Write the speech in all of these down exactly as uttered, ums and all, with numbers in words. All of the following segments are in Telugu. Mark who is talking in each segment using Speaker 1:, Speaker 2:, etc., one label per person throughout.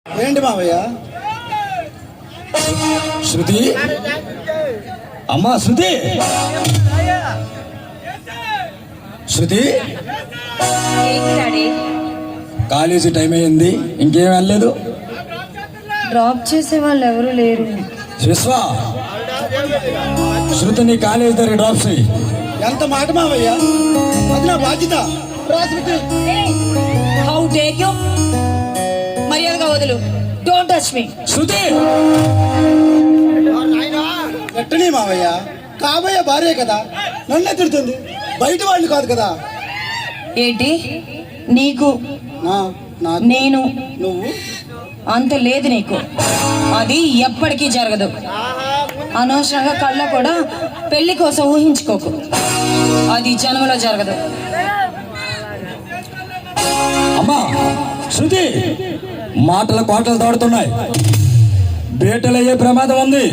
Speaker 1: ఏంటి మావయ్య?
Speaker 2: శృతి, అమ్మా శృతి, శృతి, కాలేజీ టైం అయింది, ఇంకేం వెళ్ళలేదు?
Speaker 3: డ్రాప్ చేసే వాళ్ళు ఎవరు లేరు.
Speaker 2: విశ్వ, శృతిని కాలేజీ దగ్గర డ్రాప్ చేయి.
Speaker 1: ఎంత మాట మావయ్య, అది నా బాధ్యత.
Speaker 3: How dare you! మర్యాదగా వదులు. Don't touch me.
Speaker 2: శృతి,
Speaker 1: ఎట్టని మావయ్య, కాబోయే భార్య కదా, నన్నే తిడుతుంది, బయట వాళ్ళు కాదు కదా.
Speaker 3: ఏంటి నీకు
Speaker 1: నా నా
Speaker 3: నేను
Speaker 1: నువ్వు
Speaker 3: అంత లేదు నీకు. అది ఎప్పటికీ జరగదు. అనవసరంగా కళ్ళ కూడా పెళ్లి కోసం ఊహించుకోకు. అది జన్మలో జరగదు.
Speaker 2: అమ్మా శృతి, మాటల కోటలు దాడుతున్నాయి, బేటలయ్యే ప్రమాదం ఉంది.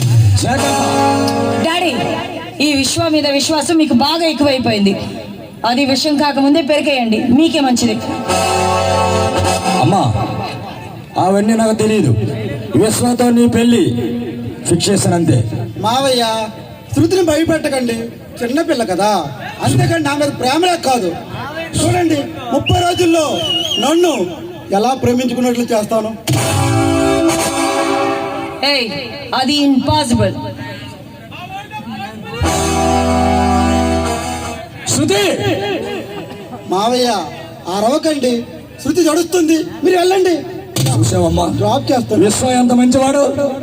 Speaker 3: డాడీ, ఈ విశ్వ మీద విశ్వాసం మీకు బాగా ఎక్కువైపోయింది. అది విషయం కాకముందే పెరిగేయండి, మీకే మంచిది.
Speaker 2: అమ్మా అవన్నీ నాకు తెలియదు. విశ్వతో నీ పెళ్లి ఫిక్స్ చేశాను అంతే.
Speaker 1: మావయ్య, శృతిని భయపెట్టకండి, చిన్నపిల్ల కదా. అంతేకాని నా మీద ప్రేమలే కాదు. చూడండి, ముప్పై రోజుల్లో నన్ను ఎలా ప్రేమించుకున్నట్లు చేస్తాను.
Speaker 3: ఏయ్, అది ఇంపాసిబుల్.
Speaker 2: శృతి,
Speaker 1: మావయ్య అరవకండి, శృతి జడుస్తుంది, మీరు వెళ్ళండి.
Speaker 2: చూసావమ్మా,
Speaker 1: డ్రాప్ చేస్తాను.
Speaker 2: విశ్వ ఎంత మంచివాడు.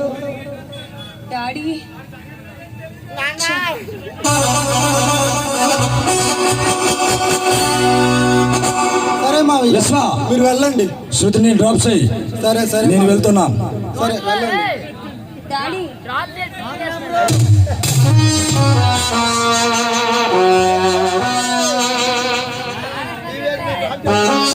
Speaker 3: డాడీ,
Speaker 1: సరే మావయ్య,
Speaker 2: విశ్వ,
Speaker 1: మీరు వెళ్ళండి.
Speaker 2: శృతిని డ్రాప్ చేయి.
Speaker 1: సరే సరే
Speaker 2: నేను వెళ్తున్నాను.
Speaker 1: సరే వెళ్ళండి.
Speaker 3: డాడీ